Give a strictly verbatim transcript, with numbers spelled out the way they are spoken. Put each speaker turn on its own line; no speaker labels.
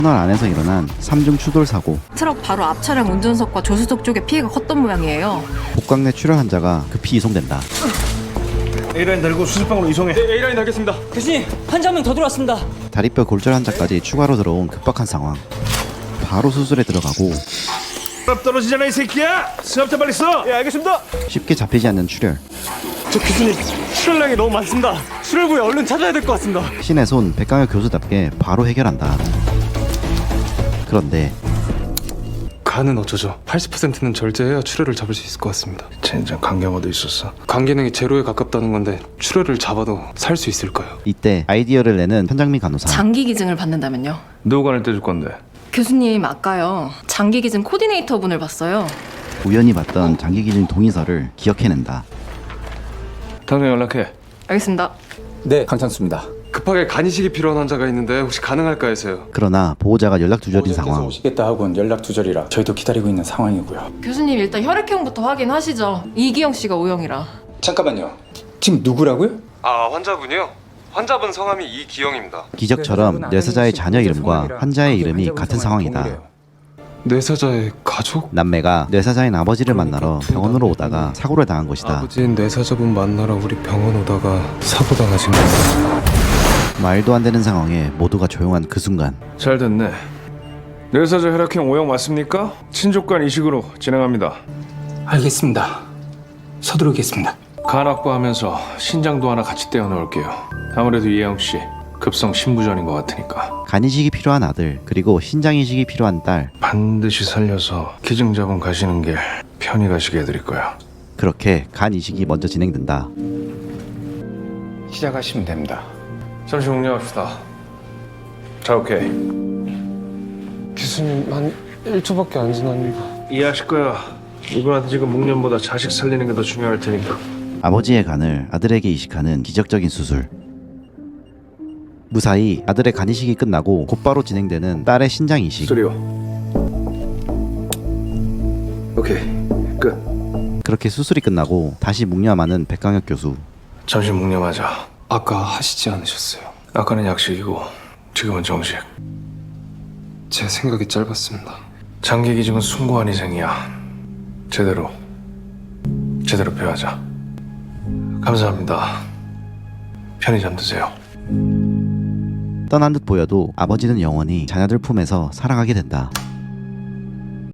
터널 안에서 일어난 삼중 추돌 사고.
트럭 바로 앞 차량 운전석과 조수석 쪽에 피해가 컸던 모양이에요.
복강 내 출혈 환자가 급히 이송된다.
A라인 달고 수술방으로 이송해.
네, A라인 달겠습니다. 교수님, 환자 한 명 더 들어왔습니다.
다리뼈 골절 환자까지 추가로 들어온 급박한 상황. 바로 수술에 들어가고
수압 떨어지잖아 이 새끼야. 수압자 빨리 써.
예, 알겠습니다.
쉽게 잡히지 않는 출혈.
저 교수님, 출혈량이 너무 많습니다. 출혈부에 얼른 찾아야 될 것 같습니다.
신의 손 백강혁 교수답게 바로 해결한다. 그런데
간은 어쩌죠? 팔십 퍼센트는 절제해야 출혈을 잡을 수 있을 것 같습니다.
젠장 간경화도 있었어.
간 기능이 제로에 가깝다는 건데 출혈을 잡아도 살 수 있을까요?
이때 아이디어를 내는 현장미 간호사.
장기 기증을 받는다면요?
누구 간을 떼줄 건데?
교수님 아까요 장기 기증 코디네이터 분을 봤어요.
우연히 봤던 장기 기증 동의서를 기억해낸다.
당장 연락해.
알겠습니다.
네, 강찬수입니다.
급하게 간 이식이 필요한 환자가 있는데 혹시 가능할까 해서요.
그러나 보호자가 연락 두절인
보호자께서
상황.
오시겠다 하고는 연락 두절이라 저희도 기다리고 있는 상황이고요.
교수님 일단 혈액형부터 확인하시죠. 이기영 씨가 O형이라.
잠깐만요. 지금 누구라고요?
아, 환자분이요? 환자분 성함이 이기영입니다.
기적처럼 뇌사자의 자녀 이름과 환자의 이름이 같은 상황이다.
뇌사자의 가족?
남매가 뇌사자인 아버지를 만나러 병원으로 오다가 사고를 당한 것이다.
아버지인 뇌사자분 만나러 우리 병원 오다가 사고 당하신 거예요.
말도 안 되는 상황에 모두가 조용한 그 순간
잘 됐네. 뇌사자 혈액형 O형 맞습니까? 친족간 이식으로 진행합니다.
알겠습니다. 서두르겠습니다.
간 확보하면서 신장도 하나 같이 떼어 넣을게요. 아무래도 이혜영 씨 급성 신부전인 것 같으니까
간 이식이 필요한 아들 그리고 신장 이식이 필요한 딸.
반드시 살려서 기증자분 가시는 길 편히 가시게 해드릴 거야.
그렇게 간 이식이 먼저 진행된다.
시작하시면 됩니다.
잠시 공략합시다. 자, 오케이.
교수님 한 일 초밖에 안 지났는데.
이해하실 거야. 이분한테 지금 목련보다 자식 살리는 게 더 중요할 테니까.
아버지의 간을 아들에게 이식하는 기적적인 수술. 무사히 아들의 간 이식이 끝나고 곧바로 진행되는 딸의 신장 이식.
소리요. 오케이, 끝.
그렇게 수술이 끝나고 다시 묵념하는 백강혁 교수.
잠시 묵념하자.
아까 하시지 않으셨어요?
아까는 약식이고 지금은 정식.
제 생각이 짧았습니다.
장기 기증은 숭고한 희생이야. 제대로 제대로 배워하자. 감사합니다. 편히 잠드세요.
떠난 듯 보여도 아버지는 영원히 자녀들 품에서 살아가게 된다.